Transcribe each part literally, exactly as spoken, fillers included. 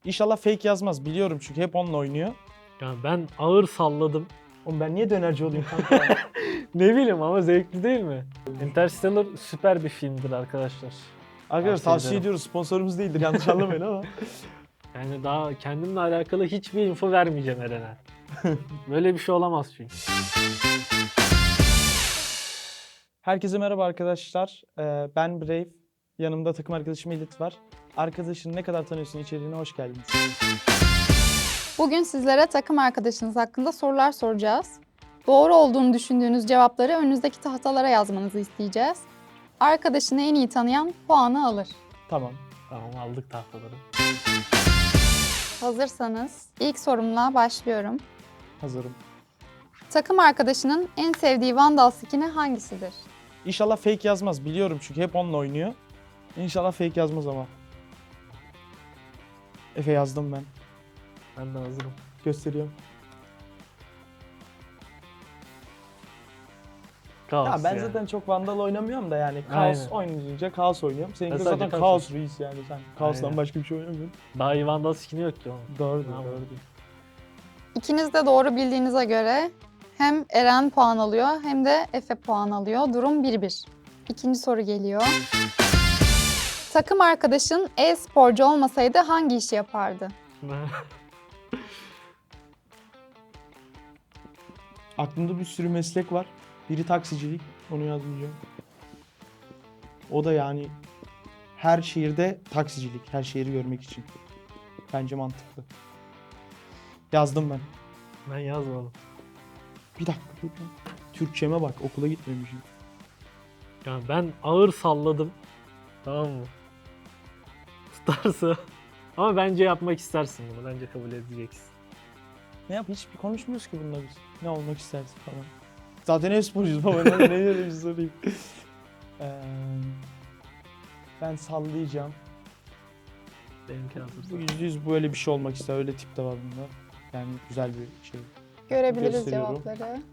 İnşallah fake yazmaz. Biliyorum çünkü hep onunla oynuyor. Yani ben ağır salladım. Oğlum ben niye dönerci olayım kanka? Ne bileyim ama zevkli değil mi? Interstellar süper bir filmdir arkadaşlar. Arkadaşlar Tavsiye tavsiye ederim. ediyoruz. Sponsorumuz değildir. Yanlış anlamayın ama. Yani daha kendimle alakalı hiçbir info vermeyeceğim Eren'e. Böyle bir şey olamaz çünkü. Herkese merhaba arkadaşlar. Ee, ben Brave. Yanımda takım arkadaşım Elit var. Arkadaşını ne kadar tanıyorsun içeriğine hoş geldiniz. Bugün sizlere takım arkadaşınız hakkında sorular soracağız. Doğru olduğunu düşündüğünüz cevapları önünüzdeki tahtalara yazmanızı isteyeceğiz. Arkadaşını en iyi tanıyan puanı alır. Tamam. Tamam, aldık tahtaları. Hazırsanız ilk sorumla başlıyorum. Hazırım. Takım arkadaşının en sevdiği Vandal skin'i hangisidir? İnşallah fake yazmaz. Biliyorum çünkü hep onunla oynuyor. İnşallah fake yazmaz ama. Efe yazdım ben. Ben de hazırım. Gösteriyorum. Kaos Ya ben yani. zaten çok Vandal oynamıyorum da yani Kaos Aynen. oynayınca Kaos oynuyorum. Seninki Ben zaten sadece Kaos, Kaos Reis yani sen Kaos'tan Aynen. başka bir şey oynamıyorsun. Daha iyi Vandal skin'i yok ki onun. Doğru Tamam. doğru değil. İkiniz de doğru bildiğinize göre hem Eren puan alıyor hem de Efe puan alıyor. Durum bir bir. İkinci soru geliyor. Takım arkadaşın e-sporcu olmasaydı hangi işi yapardı? Aklımda bir sürü meslek var. Biri taksicilik, onu yazmayacağım. O da yani her şehirde taksicilik, her şehri görmek için. Bence mantıklı. Yazdım ben. Ben yazmadım. Bir dakika. dur lan. Türkçeme bak, okula gitmemişim. Yani ben ağır salladım. Tamam mı? Tutarsa. Ama bence yapmak istersin bunu. Bence kabul edeceksin. Ne yap? Hiç bir konuşmuyoruz ki bununla biz. Ne olmak istersin falan. Zaten hep sporcuyuz baba. Ne, ne öyle bir sorayım. Ee, ben sallayacağım. Benimki Bu hazırsa. yüzde yüz böyle bir şey olmak ister. Öyle tip de var bunda. Yani güzel bir şey. Görebiliriz Gösteriyorum. cevapları.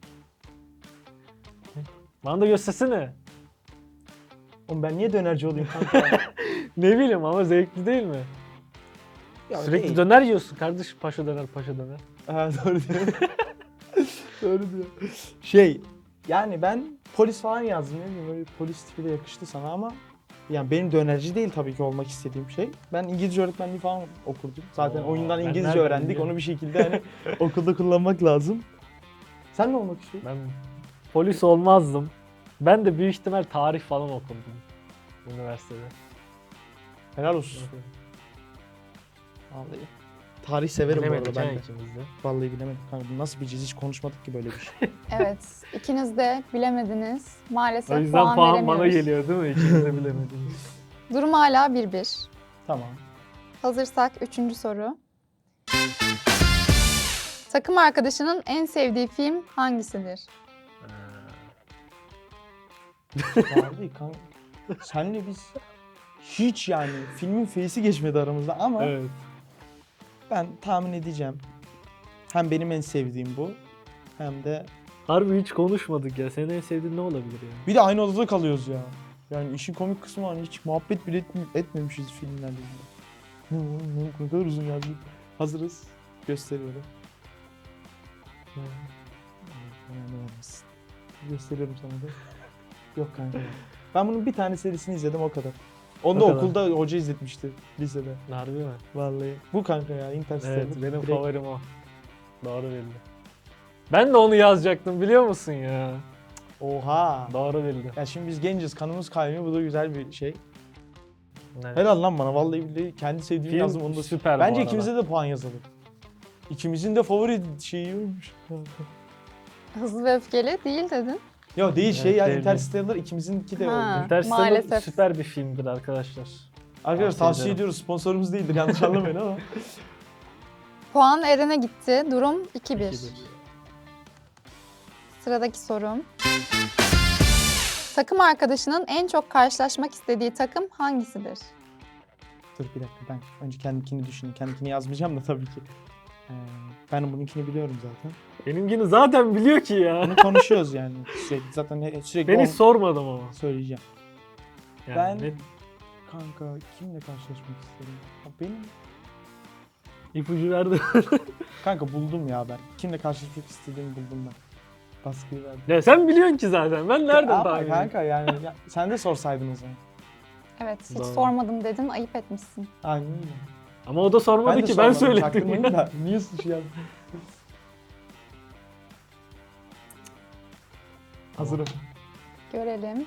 Bana da göstersene. Oğlum ben niye dönerci olayım kanka? Ne bileyim ama zevkli değil mi? Ya Sürekli değil. döner yiyorsun kardeşim. Paşa döner, paşa döner. Ha, doğru diyor. Doğru diyor. Şey, yani ben polis falan yazdım. Ne bileyim öyle polis tipi de yakıştı sana ama yani benim dönerci değil tabii ki olmak istediğim şey. Ben İngilizce öğretmenliği falan okurdum. Zaten Oo, oyundan ben İngilizce nereden öğrendik. biliyorum? Onu bir şekilde hani okulda kullanmak lazım. Sen ne olmak istiyorsun? Ben polis olmazdım. Ben de büyük ihtimal tarih falan okurdum. Üniversitede. Helal olsun. Vallahi. Tarih severim bu arada Bilemedik ben ha de. ikimiz de. Vallahi bilemedim. Kanka bunu nasıl bileceğiz? Hiç konuşmadık ki böyle bir şey. Evet, ikiniz de bilemediniz. Maalesef O yüzden puan, puan bana veremiyoruz. geliyor değil mi? İkimiz de bilemediniz. Durum hala bir bir. Tamam. Hazırsak üçüncü soru. Takım arkadaşının en sevdiği film hangisidir? Vallahi kanka. Senle biz hiç yani filmin face'i geçmedi aramızda ama Evet. ben tahmin edeceğim. Hem benim en sevdiğim bu hem de Harbi hiç konuşmadık ya. Senin en sevdiğin ne olabilir ya? bir de aynı odada kalıyoruz ya. Yani işin komik kısmı hani hiç muhabbet bile etmi- etmemişiz filmlerle ilgili. Ne, ne, ne kadar uzun yazdık. Hazırız. Gösteriyorum. Gösteriyorum sana da. Yok kanka. Ben bunun bir tane serisini izledim o kadar. Onu da O kadar. okulda hoca izletmişti lisede. Harbi mi? Vallahi. Bu kanka ya Interstellar. Evet, benim Direkt- favorim o. Doğru bildi. Ben de onu yazacaktım biliyor musun ya? Oha. Doğru bildi. Ya şimdi biz genciz, kanımız kaynıyor. Bu da güzel bir şey. Evet. Helal lan bana. Vallahi billahi kendi sevdiğimi Film yazdım. Onu da süper bu Bence arada. ikimize de puan yazalım. İkimizin de favori şeyi oymuş. Hızlı ve öfkeli değil dedin. Yok değil şey Evet, ya değil, Interstellar ikimizinki de Ha. oldu. Interstellar Maalesef. süper bir filmdir arkadaşlar. Arkadaşlar Tavsiye tavsiye ederim. ediyoruz. Sponsorumuz değildir. Yanlış anlamayın ama. Puan Eren'e gitti. Durum iki bir. İki bir. Sıradaki sorum. Takım arkadaşının en çok karşılaşmak istediği takım hangisidir? Dur bir dakika ben önce kendimkini düşüneyim. Kendimkini yazmayacağım da tabii ki. Ee, ben bununkini biliyorum zaten. Benimkini zaten biliyor ki ya. Bunu konuşuyoruz yani sürekli. Zaten he- sürekli Beni on- sormadım ama. söyleyeceğim. Yani Ben- ne- Kanka kimle karşılaşmak isterim? Ya benim İpucu verdi. Kanka buldum ya ben. Kimle karşılaşmak istediğimi buldum ben. Baskıyı verdim. Ya sen biliyorsun ki zaten. Ben nereden Ama tahmin edeyim? kanka yani ya, sen de sorsaydın o zaman. Evet, hiç Doğru. sormadım dedin, ayıp etmişsin. Aynen öyle. Ama o da sormadı de ki ben sormadım, söyledim. çaktırmayın da. Niye suç yaptın? Hazırım. Görelim.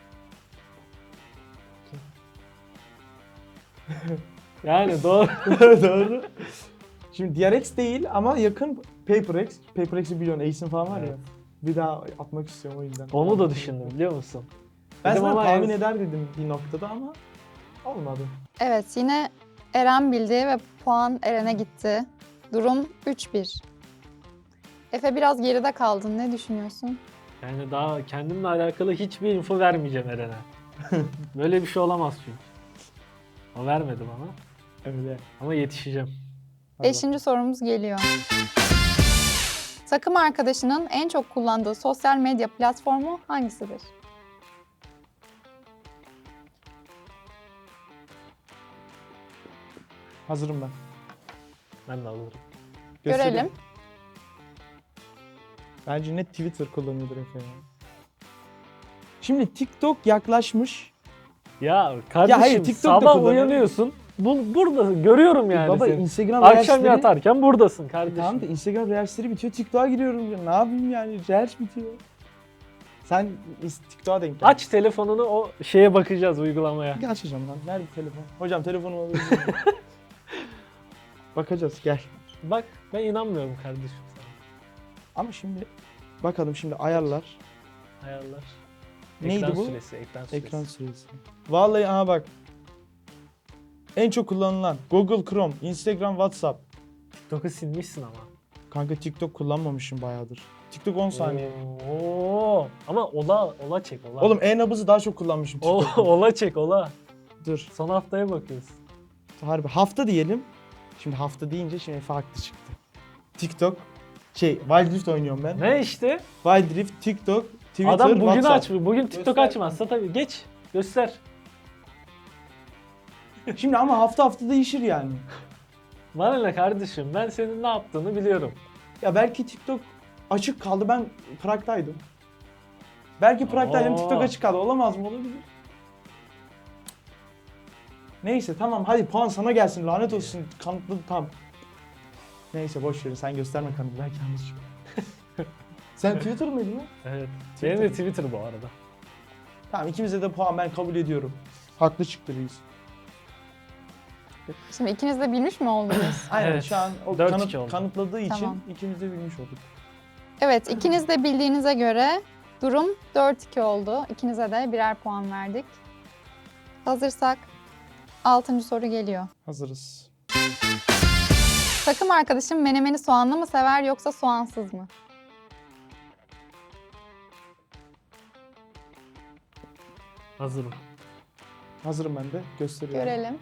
Yani doğru. Doğru. Şimdi D R X değil ama yakın PaperX. PaperX'i biliyorsun, Ace'in falan var ya. Evet. Bir daha atmak istiyorum o yüzden. Onu da düşündüm biliyor musun? Ben Dedim sana ama tahmin en- eder dedim bir noktada ama olmadı. Evet, yine Eren bildi ve puan Eren'e gitti. Durum üç bir. Efe biraz geride kaldın. Ne düşünüyorsun? Yani daha kendimle alakalı hiçbir info vermeyeceğim Eren'e. Böyle bir şey olamaz çünkü. O vermedi bana. Öyle. Ama yetişeceğim. Hadi Beşinci sorumuz geliyor. Takım arkadaşının en çok kullandığı sosyal medya platformu hangisidir? Hazırım ben. Ben de alırım. Göstereyim. Görelim. Bence net Twitter kullanıyordur Efe ya. Şimdi TikTok yaklaşmış. Ya kardeşim hayır, TikTok'ta sabah kullanıyorum. uyanıyorsun. Bu, buradasın. Görüyorum yani Baba seni. Instagram Akşam Reels'leri- yatarken buradasın kardeşim. Tamam da Instagram Reels'leri bitiyor. TikTok'a giriyorum ya. Ne yapayım yani? Reels bitiyor. Sen is- TikTok'a denk gel. Aç telefonunu, o şeye bakacağız, uygulamaya. Gel açacağım lan. Ver bir telefon. Hocam telefonumu alabilir miyim? Bakacağız gel. Bak ben inanmıyorum kardeşim sana. Ama şimdi bakalım şimdi ayarlar. Ayarlar. Neydi ekran bu? Süresi, ekran süresi. Ekran süresi. Vallahi aha bak. En çok kullanılan Google Chrome, Instagram, WhatsApp. TikTok'u silmişsin ama. Kanka TikTok kullanmamışım bayağıdır. TikTok on saniye. Oo. Ama ola ola çek ola. Oğlum e-nabızı daha çok kullanmışım O, TikTok'ta. ola çek ola. Dur. Son haftaya bakıyorsun. Harbi hafta diyelim. Şimdi hafta deyince şimdi Efe haklı çıktı. TikTok, şey Wild Rift oynuyorum ben. Ne işte? Wild Rift, TikTok, Twitter, Adam bugün WhatsApp. açmıyor. Bugün TikTok Göster. açmazsa tabii geç. Göster. Şimdi ama hafta hafta değişir yani. Bana ne kardeşim? Ben senin ne yaptığını biliyorum. Ya belki TikTok açık kaldı, ben Prag'daydım. Belki Prag'daydım, Oo. TikTok açık kaldı. Olamaz mı? Olabilir. Neyse tamam hadi puan sana gelsin, lanet olsun, kanıtladı tam. Neyse boş verin, sen gösterme kanıtı, belki yanlış çıkıyor. Sen Twitter mıydın lan? Evet. Twitter. Benim de Twitter bu arada. Tamam ikimize de puan ben kabul ediyorum. Haklı çıktı reis. Şimdi ikiniz de bilmiş mi oldunuz? Aynen Evet, şu an o dört kanıt- iki oldu. kanıtladığı için Tamam. ikimiz de bilmiş olduk. Evet, ikiniz de bildiğinize göre durum dört iki oldu. İkinize de birer puan verdik. Hazırsak altıncı soru geliyor. Hazırız. Takım arkadaşım menemeni soğanlı mı sever yoksa soğansız mı? Hazırım. Hazırım ben de. Gösteriyorum. Görelim.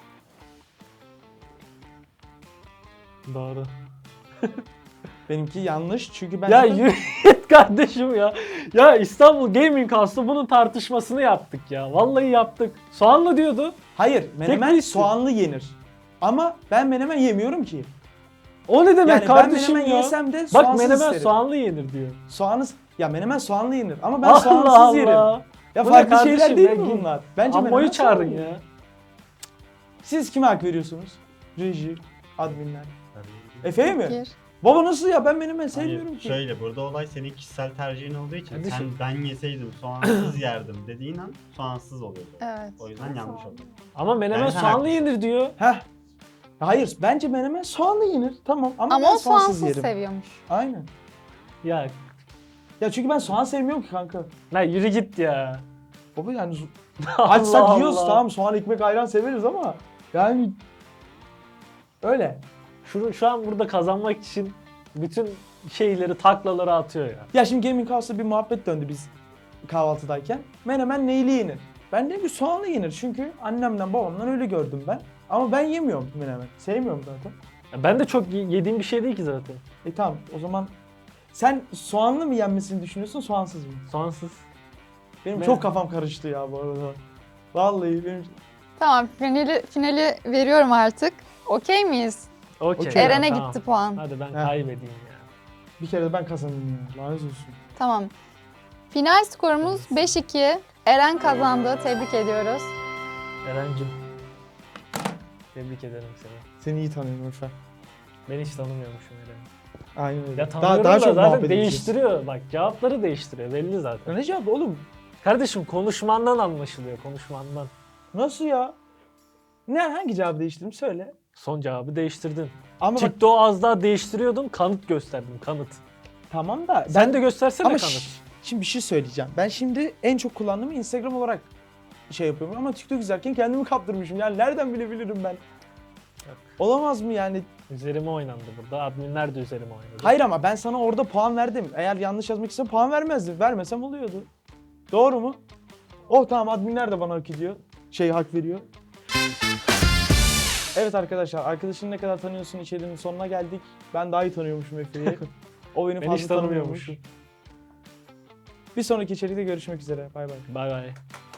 Doğru. Benimki yanlış çünkü ben... Ya zaten- yürü git kardeşim ya. Ya İstanbul Gaming House'da bunun tartışmasını yaptık ya. Vallahi yaptık. Soğanlı diyordu. Hayır, menemen Tek soğanlı yenir. Ama ben menemen yemiyorum ki. O ne demek Yani ben kardeşim menemen ya? yesem de Bak soğansız menemen isterim. soğanlı yenir diyor. Soğanı... Ya menemen soğanlı yenir ama ben Allah soğansız Allah. yerim. Ya Bu ne farklı şeyler kardeşim değil ya? mi Git. bunlar? Bence menemen Ammo'yu çağırın soğanlı. ya. Siz kime hak veriyorsunuz? Reji, adminler. Efe'ye mi? Gir. Baba nasıl ya? Ben menemen sevmiyorum Hayır, ki. şöyle burada olay senin kişisel tercihin olduğu için Kardeşim. sen ben yeseydim soğansız yerdim dediğin an soğansız oluyordu. Evet. O yüzden yanlış oldu. Ama menemen Yani sen soğanlı haklısın. yenir diyor. Heh. Hayır, bence menemen soğanlı yenir. Tamam ama, Ama ben o soğansız soğansız yerim. seviyormuş. Aynen. Ya Ya çünkü ben soğan sevmiyorum ki kanka. lan yürü git ya. Baba yani Allah açsak yiyoruz Allah. tamam, soğan ekmek ayran severiz ama yani öyle. Şu, şu an burada kazanmak için bütün şeyleri, taklaları atıyor ya. Ya şimdi Gaming House'da bir muhabbet döndü biz kahvaltıdayken. Menemen neyli yenir? Ben dedim ki soğanlı yenir çünkü annemden babamdan öyle gördüm ben. Ama ben yemiyorum menemen. Sevmiyorum zaten. Ya ben de çok y- yediğim bir şey değil ki zaten. E tamam o zaman sen soğanlı mı yenmesini düşünüyorsun, soğansız mı? Soğansız. Benim Ne? çok kafam karıştı ya bu arada. Vallahi benim... Tamam, finali, finali veriyorum artık. Okey miyiz? Okey. Okey. Eren'e tamam. gitti puan. Hadi ben Heh. kaybedeyim ya. Bir kere de ben kazandım ya. Lanet olsun. Tamam. Final skorumuz beş iki. Eren kazandı. Tebrik ediyoruz. Eren'cim. Tebrik ederim seni. Seni iyi tanıyorum Efe. Ben hiç tanımıyormuşum Eren'i. Aynen öyle. Ya tanıyorum daha, daha da çok zaten muhabbet edeceğiz. değiştiriyor. Bak cevapları değiştiriyor belli Ya zaten. ne cevap oğlum? Kardeşim konuşmandan anlaşılıyor konuşmandan. Nasıl ya? Ne hangi cevabı değiştirdim söyle. Son cevabı değiştirdin. Ama bak TikTok'u az daha değiştiriyordun kanıt gösterdim kanıt. tamam da ben Sen de göstersene ama kanıt. şş, şimdi bir şey söyleyeceğim. Ben şimdi en çok kullandığım Instagram olarak şey yapıyorum ama TikTok izlerken kendimi kaptırmışım. Yani nereden bilebilirim ben? Yok. Olamaz mı yani? Üzerime oynandı burada. Adminler de üzerime oynadı. Hayır ama ben sana orada puan verdim. Eğer yanlış yazmak istesem puan vermezdim. Vermesem oluyordu. Doğru mu? Oh tamam adminler de bana hak ediyor. Şey hak veriyor. Evet arkadaşlar arkadaşını ne kadar tanıyorsun içeriğinin sonuna geldik. Ben daha iyi tanıyormuşum Efe'yi. O beni Ben fazla hiç tanımıyormuş. tanımıyormuşum. Bir sonraki içerikte görüşmek üzere. Bay bay. Bay bay.